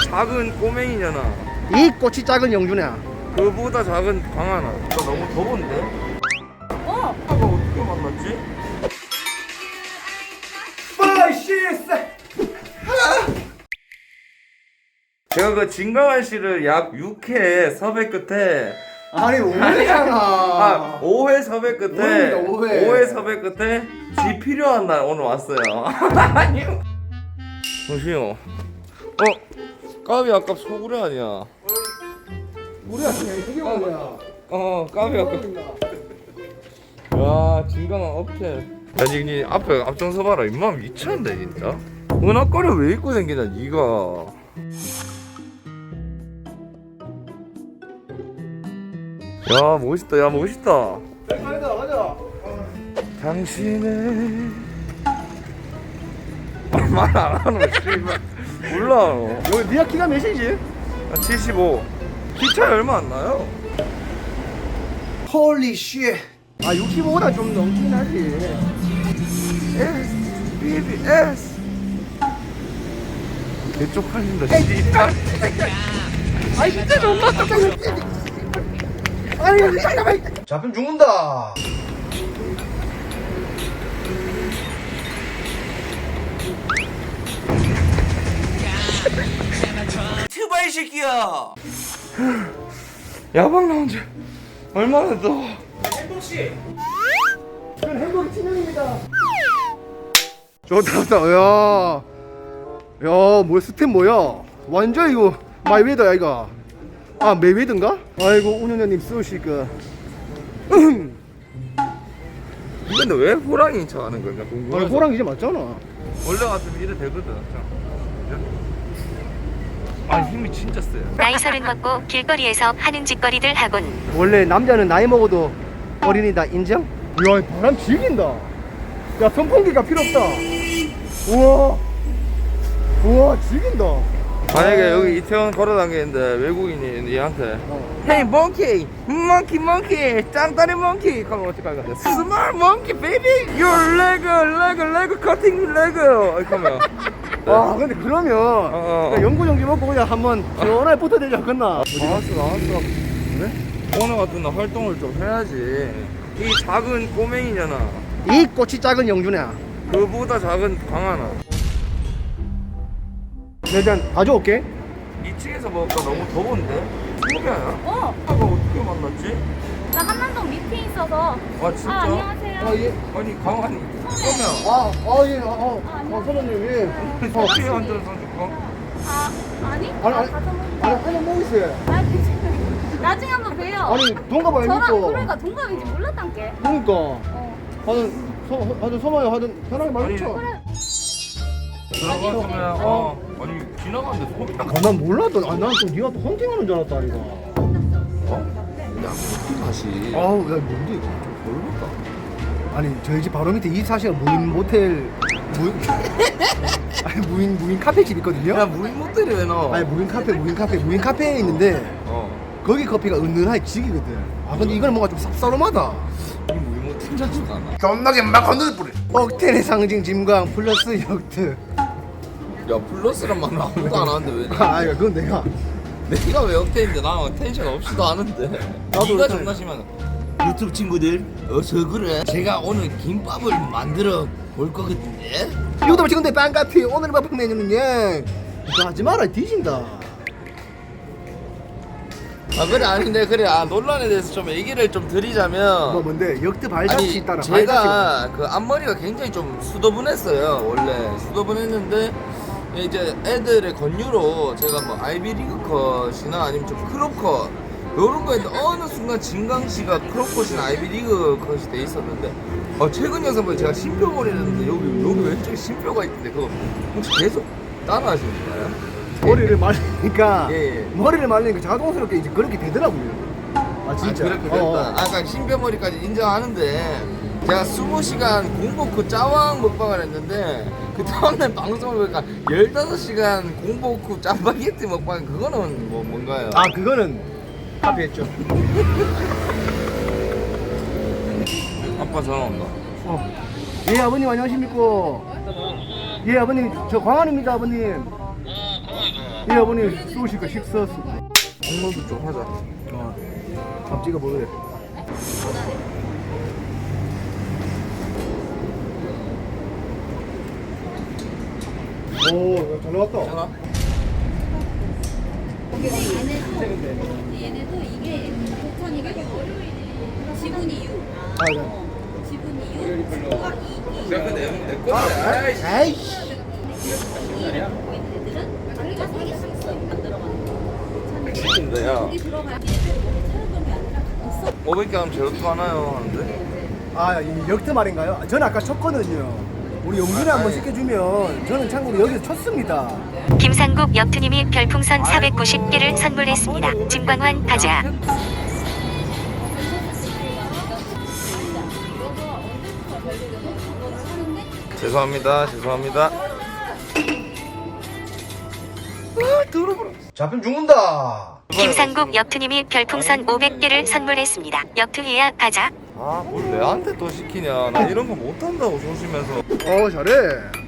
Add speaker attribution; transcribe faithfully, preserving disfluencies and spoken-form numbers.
Speaker 1: 작은 꼬맹이잖아.
Speaker 2: 이 꽃이 작은 영준이야.
Speaker 1: 그보다 작은 강하나. 나 너무 더운데?
Speaker 3: 어.
Speaker 1: 아까 어떻게 만났지? 제가 그 진강한 씨를 약 육 회 섭외 끝에
Speaker 2: 아니 오해잖아.
Speaker 1: 아, 오 회 섭외 끝에
Speaker 2: 오회입니다, 오회.
Speaker 1: 오 회 섭외 끝에 지 필요한 날 오늘 왔어요. 아니요. 잠시요. 어? 까비 아까 소구려 아니야?
Speaker 2: 우리 아침에 이게 뭐야?
Speaker 1: 어 까비 아까. 와 진강한 업체. 야 니 앞에 앞장서 봐라. 임마 미쳤네 진짜. 은하거리 왜 입고 다니냐 니가. 야 멋있다 야 멋있다.
Speaker 2: 가자 가자.
Speaker 1: 당신의 말 안 하노 씨발. 몰라.
Speaker 2: 여기 니가 키가 몇이지?
Speaker 1: 아, 칠십오. 키 차이 얼마 안 나요.
Speaker 2: 홀리 쉣. 아 육십오보다 좀 넘긴 하지.
Speaker 1: S 비비에스 개쪽팔린다 씨발.
Speaker 2: 아이 진짜 존나 깜짝이야. 아니 잠깐만. 잡히면 죽는다.
Speaker 1: 트바이 새끼야. 야방 나온 지 얼마나 더.
Speaker 2: 행복씨. 저는 행복이 친형입니다. 좋다 좋다. 야. 야, 뭐 스텝 뭐야? 완전 이거 마이웨더야 이거. 아 메이웨더인가? 아이고 운영자님 쓰시니까.
Speaker 1: 근데 왜 호랑이 차 하는 건가
Speaker 2: 아니
Speaker 1: 궁금해서.
Speaker 2: 호랑 이제 맞잖아.
Speaker 1: 원래 같으면 이래 되거든. 아 힘이 진짜 세요.
Speaker 4: 나이 서른 먹고 길거리에서 하는 짓거리들 하곤
Speaker 2: 원래 남자는 나이 먹어도 어린이다 인정? 야 바람 지긴다. 야 선풍기가 필요 없다. 우와 우와 지긴다.
Speaker 1: 만약에 여기 이태원 걸어다니는데 외국인이 얘한테
Speaker 2: 어.
Speaker 1: Hey monkey, monkey, monkey, 짱다리 monkey 그러면 어떡할 건데? Smart monkey, baby, your leg, leg, leg, cutting leg 이렇게 하면
Speaker 2: 아 근데 그러면
Speaker 1: 어.
Speaker 2: 그냥 연구 정지 먹고 그냥 한번 시원하게 붙어대지 않겠나?
Speaker 1: 나왔어 나왔어. 그래? 오늘 같은 날 활동을 좀 해야지. 이 작은 꼬맹이잖아.
Speaker 2: 이 꽃이 작은 영준이야.
Speaker 1: 그보다 작은 강하나.
Speaker 2: 내가 일단 가져올게.
Speaker 1: 이 층에서 먹을까 너무 더운데? 신기하냐?
Speaker 3: 어.
Speaker 1: 아까 어떻게 만났지?
Speaker 3: 나 한남동 미팅 있어서.
Speaker 1: 아 진짜?
Speaker 3: 아, 안녕하세요.
Speaker 2: 아 예.
Speaker 1: 아니 강한이 그러면
Speaker 2: 아, 아, 예, 아, 아, 아, 선생님, 예.
Speaker 1: 커피 한잔 사줄까?
Speaker 3: 아, 아니?
Speaker 2: 아니,
Speaker 3: 아,
Speaker 2: 아니,
Speaker 3: 가서 먹
Speaker 2: 아니, 한잔 먹으세요.
Speaker 3: 아, 괜찮아요. 나중에 한번 봬요.
Speaker 2: 아니, 동갑 아닙니까?
Speaker 3: 저랑 그러니까 동갑인지 몰랐단게.
Speaker 2: 그러니까.
Speaker 3: 어.
Speaker 2: 하든, 서, 하든, 서마요, 하든, 편하게 말해줘.
Speaker 3: 그래.
Speaker 1: 들어갔으면 어 아니 지나가는데 소리 나.
Speaker 2: 아, 난 몰랐던, 아, 난 또 니가 또 헌팅하는 줄 알았다, 이거.
Speaker 1: 어? 야 다시
Speaker 2: 아우, 야, 뭔데, 이거.
Speaker 1: 모르겠다.
Speaker 2: 아니, 저희 집 바로 밑에 이십사 시간 무인 모텔, 무인, 아니, 무인, 무인 카페집 있거든요?
Speaker 1: 야 무인 모텔이 왜 넣어?
Speaker 2: 아니, 무인 카페, 무인 카페, 무인 카페에 있는데,
Speaker 1: 어
Speaker 2: 거기 커피가 은은하게 지기거든. 아, 근데 이거는 뭔가 좀 쌉싸름하다.
Speaker 1: 이 무인 모텔 자체가 안 나.
Speaker 2: 존나게 막 건드려 뿌려. 억텐의 상징 짐광 플러스 역트.
Speaker 1: 야 플러스란 말은 아무도 안 하는데 왜?
Speaker 2: 아, 이거 그건 내가.
Speaker 1: 내가 왜 역대인데 나 텐션 없이도 하는데.
Speaker 2: 나도
Speaker 1: 네가
Speaker 2: 역대.
Speaker 1: 존나 심하네. 유튜브 친구들 어서 그래. 제가 오늘 김밥을 만들어 볼 거거든요.
Speaker 2: 유튜브 친구들 반갑이. 오늘 밥품 메뉴는요. 이거 하지 마라 뒤진다.
Speaker 1: 아 그래 아닌데 그래 아 논란에 대해서 좀 얘기를 좀 드리자면
Speaker 2: 뭐 뭔데 역트 발자취
Speaker 1: 아니
Speaker 2: 따라.
Speaker 1: 제가 그 앞머리가 굉장히 좀 수더분했어요 원래 수더분했는데 이제 애들의 권유로 제가 뭐 아이비리그 컷이나 아니면 좀 크롭 컷 요런 거 했는데 어느 순간 진강씨가 크롭 컷이나 아이비리그 컷이 돼 있었는데 어 최근 영상 보니 제가 심표머리를 했는데 여기 여기 왼쪽에 심표가 있던데 그거 혹시 계속 따라 하시는 거예요?
Speaker 2: 머리를 말리니까
Speaker 1: 예, 예.
Speaker 2: 머리를 말리니까 자동스럽게 이제 그렇게 되더라고요. 아 진짜.
Speaker 1: 아, 그렇게 됐다.
Speaker 2: 어, 어.
Speaker 1: 아까 신변머리까지 인정하는데 제가 스무 시간 공복 후 짜왕 먹방을 했는데 그 다음날 방송을 보니까 열다섯 시간 공복 후 짜파게티 먹방 그거는 뭐 뭔가요?
Speaker 2: 아 그거는 합의했죠.
Speaker 1: 아빠 전화 온다.
Speaker 2: 어. 예 아버님 안녕하십니까? 예 아버님 저 광환입니다 아버님. 이 아버님 쏘시니까 식사
Speaker 1: 국물도 좀 하자.
Speaker 2: 어. 밥 찍어 먹으래. 오, 잘 나왔다.
Speaker 1: 괜찮아?
Speaker 5: 얘네도 이게 도천이가 유, 지분이 유,
Speaker 2: 아, 네.
Speaker 5: 지분이 유, 수가 이, 이.
Speaker 1: 내가 내, 내 건데. 아이씨.
Speaker 2: 아이씨.
Speaker 5: 이를 갖고 있는 애들은 자기가 세 개씩 있어 만들어가는 거.
Speaker 1: 죽인다, 야.
Speaker 5: 여기 들어가야 얘네들 차는 게 아니라 있어.
Speaker 1: 오백 개 하면 제로투 하나요? 하는데?
Speaker 2: 아, 이 역대 말인가요? 저는 아까 쳤거든요. 우리 용준이
Speaker 1: 아,
Speaker 2: 한번
Speaker 1: 아니.
Speaker 2: 시켜주면 저는 참고로 여기서 쳤습니다.
Speaker 4: 김상국 역투님이 별풍선 사백구십 개를 선물했습니다. 진광환 가자.
Speaker 1: 죄송합니다. 죄송합니다. 아, 들어보라.
Speaker 2: 잡히면 죽는다.
Speaker 4: 김상국 역투님이 별풍선 오백 개를 선물했습니다. 역투해야 가자.
Speaker 1: 아, 뭘 내한테 또 시키냐. 나 이런 거 못한다고 조심해서.
Speaker 2: 어, 잘해.